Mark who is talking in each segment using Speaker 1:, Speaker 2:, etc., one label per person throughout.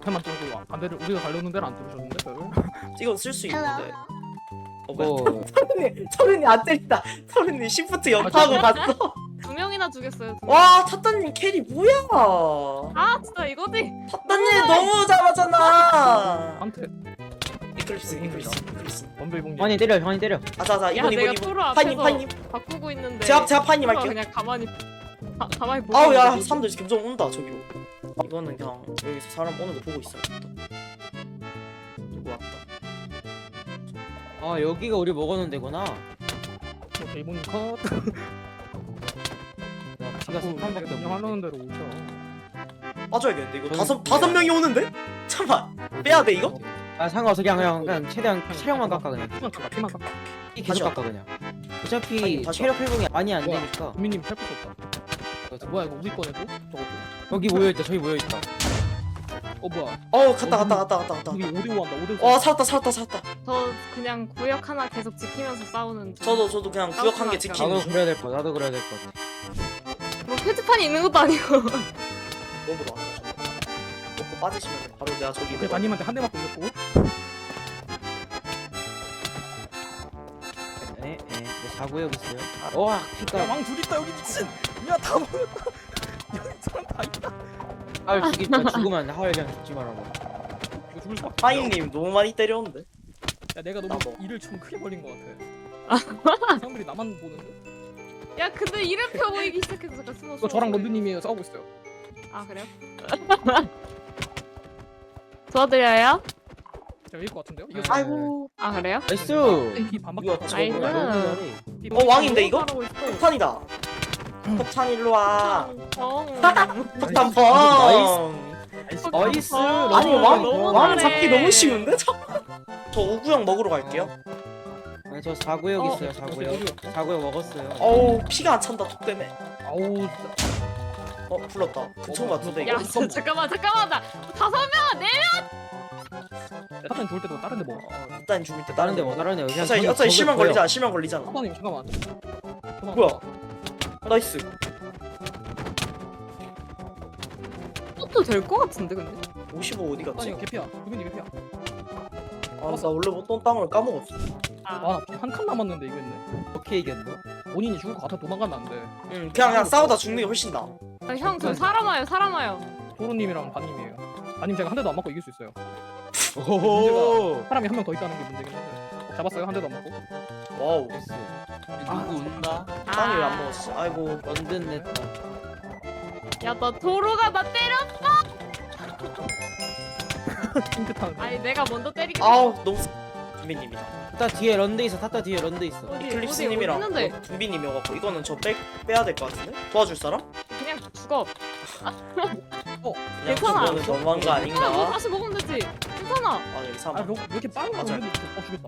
Speaker 1: 앞에만 뚫고 반대를 우리가 가려는 데는 안 뚫으셨는데 벽을?
Speaker 2: 이건 쓸 수 있는데.
Speaker 3: 뭐
Speaker 2: 서른이 안 때린다. 서른이 시프트 연타하고 갔어.
Speaker 4: 2명이나 죽였어요.
Speaker 2: 와 타따님 캐리 뭐야?
Speaker 4: 아 진짜 이거지.
Speaker 2: 타따님 너무 잘하잖아.
Speaker 1: 한테
Speaker 2: 이클립스.
Speaker 1: 원빌봉.
Speaker 3: 환희 때려 환희 때려.
Speaker 2: 아자자
Speaker 4: 야
Speaker 2: 이분
Speaker 4: 내가
Speaker 2: 이분
Speaker 4: 토로
Speaker 2: 파님
Speaker 4: 앞에서
Speaker 2: 파님.
Speaker 4: 바꾸고 있는데.
Speaker 2: 제가 파님
Speaker 4: 토로가
Speaker 2: 할게요.
Speaker 4: 그냥 가만히 보고.
Speaker 2: 아우 야
Speaker 4: 있는데.
Speaker 2: 사람들 점점 온다 저기로. 이거는 그냥 여기서 사람 오는 거 보고 있어야겠다. 누구 왔다.
Speaker 3: 아 여기가 우리 먹어놓은 데구나.
Speaker 1: 일본인 컷.
Speaker 3: 나 피가 3판밖에 없네.
Speaker 1: 하려는 대로 오죠.
Speaker 2: 빠져야겠는데 이거
Speaker 3: 저는
Speaker 2: 다섯 명이 오는데? 잠깐 빼야 돼 이거?
Speaker 3: 아 상관없어 그냥 최대한 체력만 깎아 그냥.
Speaker 1: 피만 깎아.
Speaker 3: 이
Speaker 2: 다시
Speaker 3: 계속 깎아 그냥. 어차피
Speaker 2: 아니, 다시
Speaker 3: 체력 회복이 많이 안
Speaker 1: 뭐야?
Speaker 3: 되니까.
Speaker 1: 국민님 탈 것도 없다. 뭐야 이거 우리 꺼내도? 저거.
Speaker 3: 여기 모여있다 저기 모여있다.
Speaker 1: 뭐야?
Speaker 2: 갔다.
Speaker 1: 우리 5대5 한다. 5대5.
Speaker 2: 와 살았다.
Speaker 4: 저 그냥 구역 하나 계속 지키면서 싸우는 중.
Speaker 2: 저도 그냥 구역 한 개 지키는
Speaker 3: 나도
Speaker 2: 중.
Speaker 3: 그래야 될 거. 나도 그래야 될 것 같아.
Speaker 4: 뭐 표지판이 있는 것도 아니고.
Speaker 2: 너무 나왔다 저거. 먹고 빠지시면 바로 내가 저기
Speaker 1: 그 마님한테 한 대 맞고 이겼고.
Speaker 3: 네, 내 사구역 있어요. 와 피가.
Speaker 1: 야왕 둘 있다 여기 미친. 야다 모였다. 여기 사람 다 있다.
Speaker 3: 하울 죽이다 죽으면 안 돼. 하울 그냥 죽지 말라고.
Speaker 1: 이거 죽을 수밖에.
Speaker 2: 파인님 너무 많이 때렸는데.
Speaker 1: 야 내가 너무
Speaker 2: 나 뭐.
Speaker 1: 일을 좀 크게 벌린 것 같아. 사람들이 나만 보는데?
Speaker 4: 야 근데 이름표 보이기 시작해서 잠깐 숨어.
Speaker 1: 이거 저랑 런드님이 싸우고 있어요.
Speaker 4: 아 그래요? 도와드려요?
Speaker 1: 제가 이길 것 같은데요?
Speaker 3: 네.
Speaker 1: 이거
Speaker 2: 아이고.
Speaker 4: 아 그래요?
Speaker 3: 나이스.
Speaker 1: 피 반밖에
Speaker 2: 이거
Speaker 1: 안
Speaker 2: 저거
Speaker 4: 나이스.
Speaker 2: 어, 왕인데, 이거?
Speaker 4: 잘하고 있어.
Speaker 2: 폭탄이다. 폭탄 일로 와.
Speaker 4: 정.
Speaker 2: 폭탄 뻥.
Speaker 3: 나이스.
Speaker 2: 아니
Speaker 4: 너무
Speaker 2: 왕
Speaker 4: 잘해.
Speaker 2: 잡기 너무 쉬운데? 저 오구형 먹으러 갈게요.
Speaker 3: 아니 저 사구역
Speaker 4: 어,
Speaker 3: 있어요. 사구역 먹었어요.
Speaker 2: 어우 피가 안 찬다 톡 때문에.
Speaker 1: 아우 진짜.
Speaker 2: 불렀다. 그총 같은데
Speaker 4: 야
Speaker 2: 이거.
Speaker 4: 진짜 잠깐만 나 5명 네.
Speaker 1: 사탄 죽을 때도 다른 데 먹어.
Speaker 2: 일단 죽을 때
Speaker 3: 다른 데 뭐 다른 데 그냥
Speaker 2: 어차피 실명 걸리잖아. 실명 걸리잖아.
Speaker 1: 사탄님 잠깐만.
Speaker 2: 뭐야? 나이스.
Speaker 4: 또될 것 같은데 근데.
Speaker 2: 55 어디 갔지?
Speaker 1: 사탄이 개피야. 구민이 개피야.
Speaker 2: 아 나 원래 못던 땅을 까먹었어.
Speaker 1: 아한 칸 남았는데 이거 있네.
Speaker 3: 어떻게 이겼노?
Speaker 1: 본인이 죽을 것 같아 도망가면 안 돼.
Speaker 2: 응 그냥 싸우다 죽는 게 훨씬 나아.
Speaker 4: 아, 형, 저 사람 와요.
Speaker 1: 토로님이랑 바님이에요. 바님 제가 한 대도 안 맞고 이길 수 있어요.
Speaker 3: 오호.
Speaker 1: 사람이 한 명 더 있다는 게 문제긴 한데. 잡았어요 한 대도 안 맞고.
Speaker 2: 와우.
Speaker 3: 누구 운다?
Speaker 2: 땅이 왜 안 먹었어? 아이고.
Speaker 3: 런든 냈다.
Speaker 4: 야, 나 도로가 나 때려.
Speaker 1: 핑크 타는.
Speaker 4: 아니, 내가 먼저 때리긴.
Speaker 2: 아우 너무 준비님이다.
Speaker 3: 타타 뒤에 런드 있어. 타타 뒤에 런드 있어.
Speaker 4: 어디,
Speaker 2: 이클립스님이랑
Speaker 4: 어디 있는데?
Speaker 2: 준비님이어갖고 이거는 저 빼야 될 것 같은데? 도와줄 사람?
Speaker 4: 그냥 죽어.
Speaker 2: 그냥
Speaker 4: 괜찮아.
Speaker 2: 그거는 너무한 거
Speaker 4: 너
Speaker 2: 아닌가?
Speaker 4: 다시 먹으면 되지. 괜찮아.
Speaker 2: 아 여기 사람.
Speaker 1: 왜 이렇게 빠른 거
Speaker 2: 맞아.
Speaker 1: 같은데? 죽였다.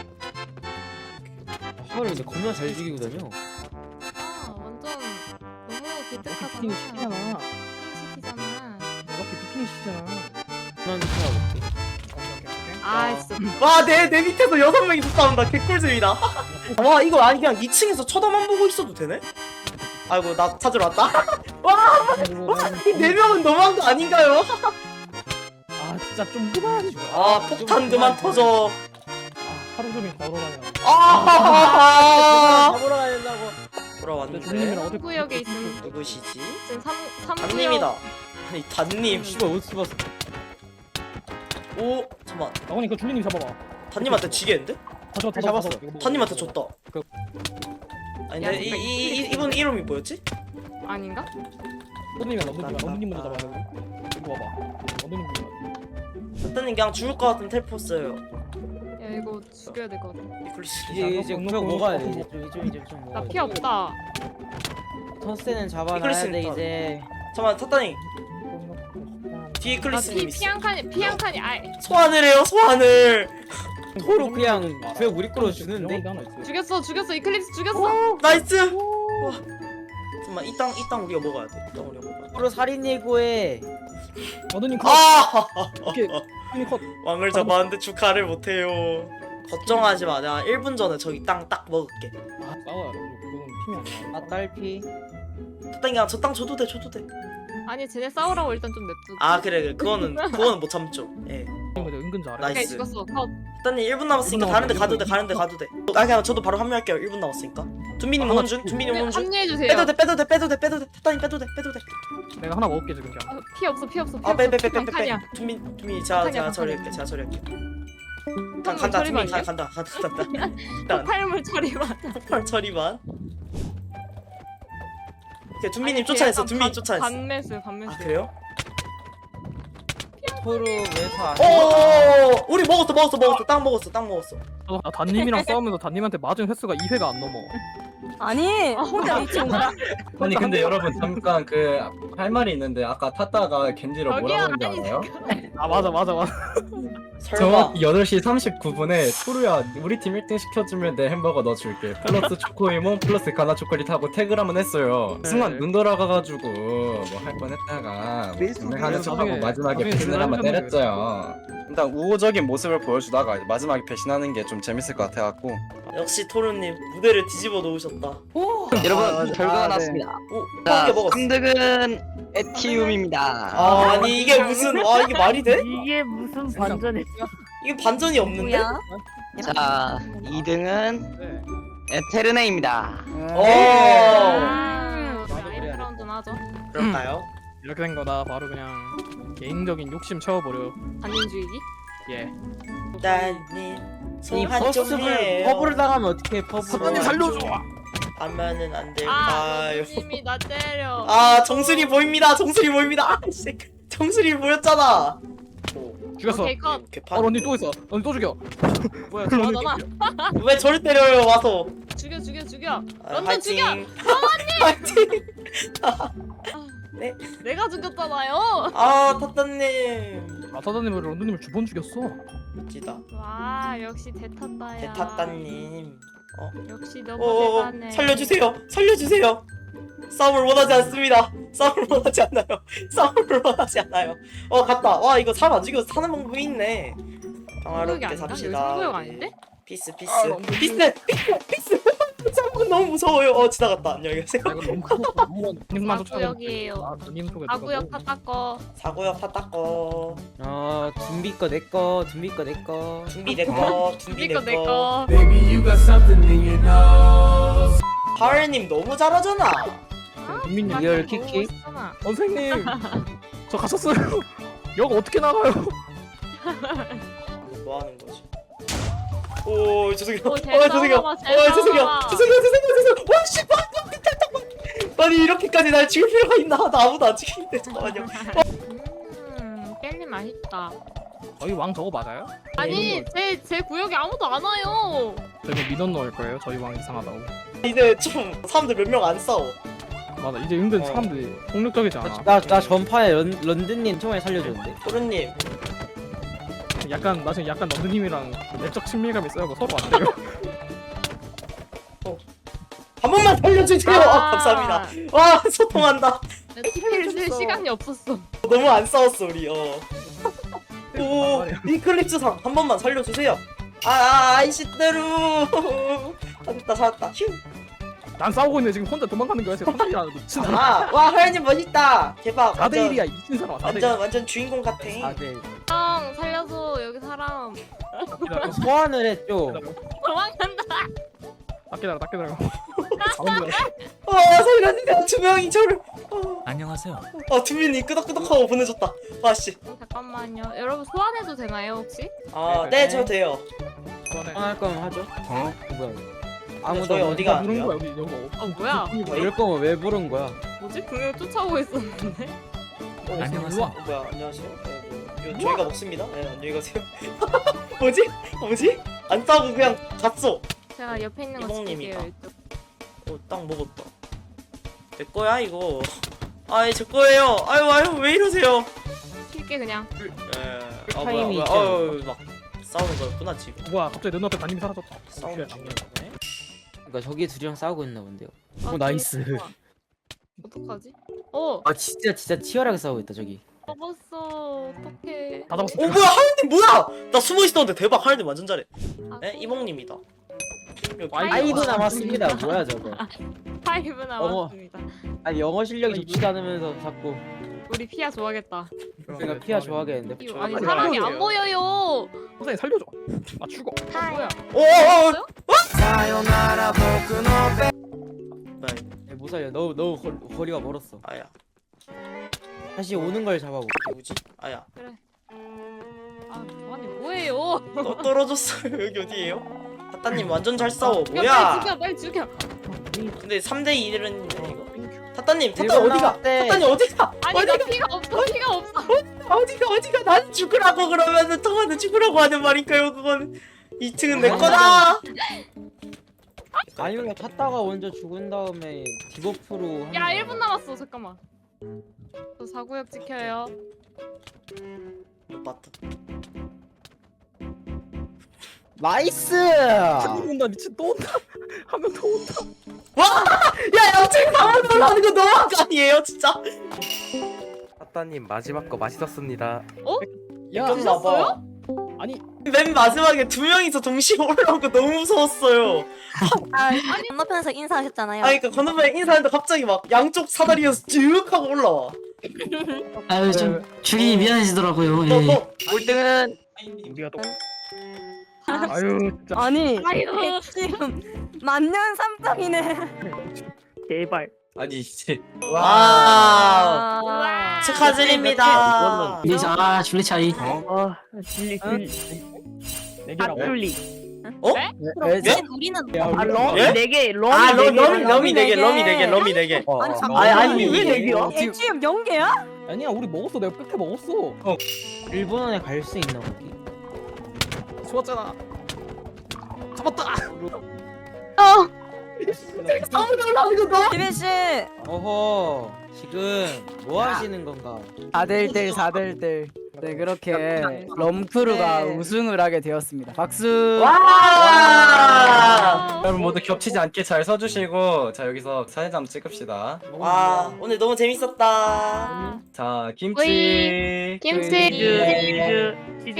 Speaker 3: 하울이 근데 겁나 잘 죽이고 다녀.
Speaker 4: 아, 완전 너무
Speaker 1: 이렇게
Speaker 4: 기특하잖아.
Speaker 1: 비키니 시키잖아.
Speaker 4: 시키잖아.
Speaker 1: 이렇게 비키니 시키잖아.
Speaker 3: 그만 쳐볼게.
Speaker 4: 아, 진짜.
Speaker 2: 와내 밑에서 6명이 싸운다. 개꿀잼이다. 와 이거 아니 그냥 2층에서 쳐다만 보고 있어도 되네? 아이고 나 찾으러 왔다. 이 4명은 너무한 거 아닌가요?
Speaker 1: 아 진짜 좀 그만.
Speaker 2: 아 폭탄 그만 터져.
Speaker 1: 아 하루 종일 걸어다니나.
Speaker 2: 아
Speaker 3: 잡으러 가야 된다고.
Speaker 1: 근데
Speaker 2: 돌아왔는데
Speaker 1: 주민님이랑 어디
Speaker 4: 구역에 있음.
Speaker 2: 누구시지?
Speaker 4: 지금 3구역.
Speaker 2: 단님이다. 아니 단님.
Speaker 3: 씨발 어디 봤어?
Speaker 2: 오 잠만.
Speaker 1: 아버님 그 주민님 잡아봐.
Speaker 2: 단님한테 지겠는데?
Speaker 1: 다
Speaker 3: 잡았어.
Speaker 2: 단님한테 줬다.
Speaker 1: 그-
Speaker 2: 아니
Speaker 4: 야,
Speaker 2: 근데 이분 이름이 뭐였지?
Speaker 4: 아닌가?
Speaker 1: 런드님이랑 런드님 먼저 잡아야 돼. 이거 봐봐. 런드님 먼저.
Speaker 2: 단님 그냥 죽을 것 같은 텔포 써요.
Speaker 4: 야, 이거 죽여야 될 것 같아.
Speaker 2: 이클리스.
Speaker 3: 이제 구역 먹어야 돼. 이제 좀
Speaker 4: 나
Speaker 3: 먹어.
Speaker 4: 피 없다.
Speaker 3: 터스는 잡아놔야
Speaker 2: 이클리스는
Speaker 3: 돼
Speaker 2: 또-
Speaker 3: 이제.
Speaker 2: 잠깐만 타타님 뒤에
Speaker 4: 나
Speaker 2: 이클리스님
Speaker 4: 피
Speaker 2: 있어.
Speaker 4: 한 칸이. 아이,
Speaker 2: 소환을 해요 소환을.
Speaker 3: 토로 그냥 구역 우리 걸로 주는데.
Speaker 4: 죽였어. 이클립스 죽였어.
Speaker 2: 나이스. 와. 잠깐만 이 땅 우리가 먹어야 돼. 이 땅 우리가 먹어야 돼.
Speaker 3: 토로 살인 예고해.
Speaker 1: 런드님 컷.
Speaker 2: 아
Speaker 1: 오케이. 주민님 컷.
Speaker 2: 왕을 잡았는데 축하를 못해요. 걱정하지 마. 내가 1분 전에 저기 땅 딱 먹을게.
Speaker 1: 아 싸워야 돼. 그건 팀이 아니야.
Speaker 3: 아 딸피.
Speaker 2: 타타님 그냥 저 땅 줘도 돼.
Speaker 4: 아니 쟤네 싸우라고 일단 좀 냅두고.
Speaker 2: 아 그래 그거는 못 참죠. 예.
Speaker 1: 이거 은근 잘해.
Speaker 2: 나이스.
Speaker 4: 오케이 죽었어. 컷.
Speaker 2: 일단님 1분 남았으니까
Speaker 1: 1분
Speaker 2: 다른데 가도 돼
Speaker 1: 남았어,
Speaker 2: 가도 돼. 아 그냥 저도 바로 합류할게요. 1분 남았으니까. 둔비님 오는 중. 둔비님 오는 중.
Speaker 4: 합류해 주세요.
Speaker 2: 빼도 돼. 타타님 빼도 돼.
Speaker 1: 내가 하나 먹을게 지금 그냥.
Speaker 4: 피 없어. 피 없어.
Speaker 2: 빼.
Speaker 4: 칸이야.
Speaker 2: 둔비 제가 처리할게. 간다.
Speaker 4: 처리
Speaker 2: 둔비
Speaker 4: 아니야?
Speaker 2: 간다. 일단
Speaker 4: 폭발물 처리만.
Speaker 2: 폭발 처리만. 오케이 둔비님 쫓아냈어. 둔비님 쫓아냈어.
Speaker 4: 반매수.
Speaker 2: 아 그래요?
Speaker 3: 토르 왜서 안
Speaker 2: 오 우리 먹었어. 딱 먹었어.
Speaker 1: 나 단님이랑 싸우면서 단님한테 맞은 횟수가 2회가 안 넘어.
Speaker 5: 아니 혼자 미친 거야?
Speaker 6: 아니 근데 여러분 잠깐 그 할 말이 있는데 아까 탔다가 겐지로
Speaker 4: 저기요,
Speaker 6: 뭐라고 했는지 알아요?
Speaker 1: 아 맞아.
Speaker 2: 설마.
Speaker 6: 정확히 8시 39분에 토르야 우리 팀 1등 시켜주면 내 햄버거 넣어줄게 플러스 초코이몬 플러스 가나 초콜릿 하고 태그를 한번 했어요. 순간 눈 돌아가가지고 뭐 할 뻔했다가 가나 초하고
Speaker 1: 나중에-
Speaker 6: 마지막에
Speaker 1: 나중에
Speaker 6: 배신을 한번
Speaker 1: 들어가셨는데.
Speaker 6: 때렸어요. 일단 우호적인 모습을 보여주다가 마지막에 배신하는 게 좀 재밌을 것 같아갖고
Speaker 2: 역시 토르님 무대를 뒤집어 놓으셨다.
Speaker 7: 여러분 결과가
Speaker 5: 네.
Speaker 7: 나왔습니다.
Speaker 2: 오
Speaker 7: 자,
Speaker 2: 한개 먹었어.
Speaker 7: 3등은 에티움입니다.
Speaker 2: 아니 이게 무슨 이게 말이 돼?
Speaker 5: 이게 무슨 반전이?
Speaker 2: 이게 반전이 없는데?
Speaker 5: 뭐야?
Speaker 7: 자, 2등은
Speaker 1: 네.
Speaker 7: 에테르네입니다.
Speaker 2: 오
Speaker 4: 라이브 라운드는 하죠.
Speaker 2: 그럴까요?
Speaker 1: 이렇게 된 거다. 바로 그냥 개인적인 욕심 채워버려.
Speaker 4: 단인주의기.
Speaker 1: 예.
Speaker 2: 일단님
Speaker 3: 이
Speaker 2: 소환 좀
Speaker 3: 퍼스를
Speaker 2: 해요.
Speaker 3: 퍼블을 당하면 어떻게 퍼블을
Speaker 1: 사장님 살려줘.
Speaker 2: 하면은 안
Speaker 4: 아,
Speaker 2: 될까요?
Speaker 4: 님이 나 때려.
Speaker 2: 아 정수리 보입니다. 아씨 정수리 보였잖아.
Speaker 1: 죽였어.
Speaker 4: 오케이 컷.
Speaker 2: 개판.
Speaker 1: 언니 또 있어. 언니 또 죽여.
Speaker 4: 뭐야 좋아하잖아.
Speaker 2: 왜 저를 때려요 와서?
Speaker 4: 죽여.
Speaker 2: 아,
Speaker 4: 런던
Speaker 2: 화이팅.
Speaker 4: 죽여!
Speaker 2: 화이팅.
Speaker 4: 내가 죽였잖아요.
Speaker 2: 아 타타님.
Speaker 1: 아 사장님 런던님을 두 번 죽였어.
Speaker 2: 멋지다.
Speaker 4: 와 역시 대탔다야.
Speaker 2: 대타따님.
Speaker 4: 역시 너무
Speaker 2: 오
Speaker 4: 대단해.
Speaker 2: 살려주세요. 싸움을 원하지 않습니다. 싸움을 원하지 않아요. 갔다. 와 이거 사람 안 죽여서 사는 방법이 있네.
Speaker 4: 승부욕이
Speaker 2: 평화롭게
Speaker 4: 아닌가? 여기
Speaker 2: 삽시다.
Speaker 4: 승부욕 아닌데?
Speaker 2: 피스.
Speaker 1: 아, 너무
Speaker 2: 피스. 싸움은 너무 무서워요. 지나갔다. 안녕히 가세요.
Speaker 1: 아, 이거 너무 커서 님만 쫓아가.
Speaker 4: 사구역이에요.
Speaker 1: 아 님 속에
Speaker 4: 아구역 타타꺼.
Speaker 2: 사고요 파타꺼.
Speaker 3: 둠비 거 내꺼
Speaker 2: 준비 내꺼.
Speaker 4: 니꺼 내꺼.
Speaker 2: 하을님 너무 잘하잖아.
Speaker 1: 민님
Speaker 3: 리얼 키키?
Speaker 1: 선생님 저 가셨어요. 여기 어떻게 나가요?
Speaker 2: 뭐 하는 거지? 오 죄송해요.
Speaker 4: 오, 잘 싸워봐, 잘
Speaker 2: 죄송해요.
Speaker 4: 싸워봐.
Speaker 2: 와 씨, 아니 이렇게까지 날 죽일 필요가 있나? 나 아무도 안 죽이는데 잠깐만요.
Speaker 4: 깻잎 맛있다.
Speaker 1: 저희 왕 저거 맞아요?
Speaker 4: 아니 제 구역에 아무도 안 와요.
Speaker 1: 저희 뭐 민원 넣을 거예요. 저희 왕 이상하다고.
Speaker 2: 이제 좀 사람들 몇 명 안 싸워.
Speaker 1: 맞아 이제 은근 사람들이 폭력적이지 않아.
Speaker 3: 나 전파에 런든님 처음에 살려줬는데
Speaker 2: 토르님
Speaker 1: 약간 나 지금 약간 런던님이랑 내적 친밀감이 있어요. 서로 안 돼요.
Speaker 2: 한 번만 살려주세요. 감사합니다. 와 소통한다.
Speaker 4: TP를 쓸 시간이 없었어.
Speaker 2: 너무 안 싸웠어 우리. 오 이클립스상 한 번만 살려주세요. 아이씨대로. 살았다. 휴.
Speaker 1: 난 싸우고 있는데 지금 혼자 도망가는 거야. 지금 혼자야 미친 사람.
Speaker 2: 와 하연님 멋있다. 대박.
Speaker 1: 4대 1이야 미친 사람. 4대 1.
Speaker 2: 완전 주인공 같아.
Speaker 3: 다들
Speaker 4: 형 살려줘 여기 사람.
Speaker 3: 소환을 했죠.
Speaker 4: 도망간다.
Speaker 1: 딱 기다려.
Speaker 2: 살려주세요. 두 명이 저를.
Speaker 8: 안녕하세요.
Speaker 2: 두민이 끄덕끄덕하고 보내줬다. 아씨.
Speaker 4: 잠깐만요. 여러분 소환해도 되나요 혹시?
Speaker 2: 네, 저 돼요.
Speaker 3: 소환할 거면 하죠. 뭐야? 아무도
Speaker 2: 저희 어디가 안
Speaker 1: 부른
Speaker 2: 돼요?
Speaker 1: 거야 여기 여기.
Speaker 4: 뭐야?
Speaker 3: 이럴 거면 왜 부른 거야?
Speaker 4: 뭐지? 분명 쫓아오고 있었는데.
Speaker 8: 안녕하세요.
Speaker 2: 뭐야, 안녕하세요. 이거 저희가 먹습니다. 네, 안녕히 가세요. 뭐지? 안 싸우고 그냥 갔어.
Speaker 4: 제가 옆에 있는 거
Speaker 2: 이봉님이다.
Speaker 4: 찍을게요. 이쪽.
Speaker 2: 딱 먹었다. 내 거야 이거. 제 거예요. 아유 왜 이러세요?
Speaker 4: 킬게 그냥.
Speaker 3: 타임이
Speaker 2: 막 싸우는 거였구나 지금.
Speaker 1: 뭐야 갑자기 내 눈앞에 담임이 사라졌다.
Speaker 2: 싸우는 중이야.
Speaker 3: 그러니까 저기 둘이랑 싸우고 있나 본데요.
Speaker 4: 아,
Speaker 3: 나이스.
Speaker 4: 좋아. 어떡하지?
Speaker 3: 아 진짜 치열하게 싸우고 있다 저기.
Speaker 4: 잡았어. 어떡해.
Speaker 1: 다 잡았어.
Speaker 2: 뭐야 하연님 뭐야? 나 숨어 있었는데 대박 하연님 완전 잘해.
Speaker 4: 아,
Speaker 2: 네 이몽님이다.
Speaker 3: 아이브 남았습니다. 뭐야 저거?
Speaker 4: 5 남았습니다.
Speaker 3: 아니 영어 실력이 좋지도 않으면서 자꾸
Speaker 4: 우리 피아 좋아하겠다.
Speaker 3: 그러니까 피아 좋아하겠는데.
Speaker 4: 이거 아니
Speaker 2: 좋아하겠네요.
Speaker 4: 사람이 안 보여요.
Speaker 1: 선생님 살려줘. 아 죽어.
Speaker 4: 뭐야?
Speaker 2: 오오오.
Speaker 3: 못 살려. 너무 거리가 멀었어.
Speaker 2: 아야.
Speaker 3: 다시 오는 걸 잡아볼게.
Speaker 2: 누구지? 아야.
Speaker 4: 아 아니 뭐예요?
Speaker 2: 떨어졌어요. 여기 어디예요? 타타님 완전 잘 싸워.
Speaker 4: 야,
Speaker 2: 뭐야?
Speaker 4: 빨리 죽여.
Speaker 2: 근데 3대 1은 이거. 타타님, 타타
Speaker 3: 일본
Speaker 2: 어디가?
Speaker 3: 나왔대.
Speaker 2: 타타님 어디가?
Speaker 4: 아니 나 피가 없어. 피가 없어.
Speaker 2: 어디가? 난 죽으라고 그러면은 통화는 죽으라고 하는 말인가요? 그건 2층은 내 거다.
Speaker 3: 아니면 탔다가 먼저 죽은 다음에 디버프로.
Speaker 4: 야 1분 남았어. 잠깐만. 저 사구역 지켜요.
Speaker 2: 이거 맞다.
Speaker 3: 나이스.
Speaker 1: 한명 온다 미친 또 온다. 한 명 더 온다.
Speaker 2: 야, 양측 상황 올라가는 거 너무한 거 아니에요, 진짜?
Speaker 9: 아따님 마지막 거 맛있었습니다.
Speaker 1: 야
Speaker 2: 좀 봐봐.
Speaker 1: 아니
Speaker 2: 맨 마지막에 2명이서 동시에 올라온 거 너무 무서웠어요.
Speaker 5: 건너편에서 인사하셨잖아요.
Speaker 2: 아니, 그러니까 건너편에 인사하는데 갑자기 막 양쪽 사다리에서 쭉 하고 올라와.
Speaker 10: 아유 좀 주기 미안해지더라고요.
Speaker 2: 너,
Speaker 10: 예.
Speaker 2: 너,
Speaker 7: 꼴등은
Speaker 1: 우리가 또. 아유 진짜.
Speaker 5: 아니
Speaker 4: 아이고.
Speaker 5: 지금 만년 삼성이네.
Speaker 1: 제발.
Speaker 6: 아니 이제
Speaker 2: 와.
Speaker 5: 와.
Speaker 2: 축하드립니다.
Speaker 10: 근데 이제 아 줄리 차이.
Speaker 1: 진리
Speaker 5: 응?
Speaker 1: 네 개라고.
Speaker 5: 우리는
Speaker 2: 예?
Speaker 1: 4개.
Speaker 2: 아,
Speaker 5: 럼이
Speaker 2: 럼이
Speaker 5: 네
Speaker 2: 4개,
Speaker 5: 개.
Speaker 2: 럼이 4개, 럼이 4개.
Speaker 5: 아니 잠깐.
Speaker 2: 아니,
Speaker 1: 왜 네 개야?
Speaker 5: 지금 0개야?
Speaker 1: 아니야 우리 먹었어. 내가 끝에 먹었어.
Speaker 3: 일본에 갈 수 있나 거기?
Speaker 1: 좋았잖아. 잡았다.
Speaker 2: 상황 올라가는 거 너무.
Speaker 5: 기빈 씨.
Speaker 3: 어허. 지금 뭐 하시는 건가?
Speaker 11: 4대1 4대1 네 그렇게 럼크루가
Speaker 5: 네.
Speaker 11: 우승을 하게 되었습니다. 박수.
Speaker 2: 와.
Speaker 6: 여러분 모두 겹치지 않게 잘 서주시고 자 여기서 사진 한번 찍읍시다.
Speaker 2: 와, 오늘 너무 재밌었다.
Speaker 6: 자 김치.
Speaker 4: 김치.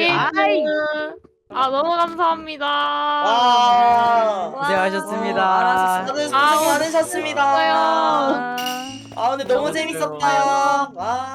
Speaker 4: 아 너무 감사합니다.
Speaker 2: 와.
Speaker 11: 고생하셨습니다.
Speaker 2: 다들 수고
Speaker 4: 아,
Speaker 2: 많으셨습니다.
Speaker 4: 수고하셨어요.
Speaker 2: 아, 오늘 너무 재밌었다. 와.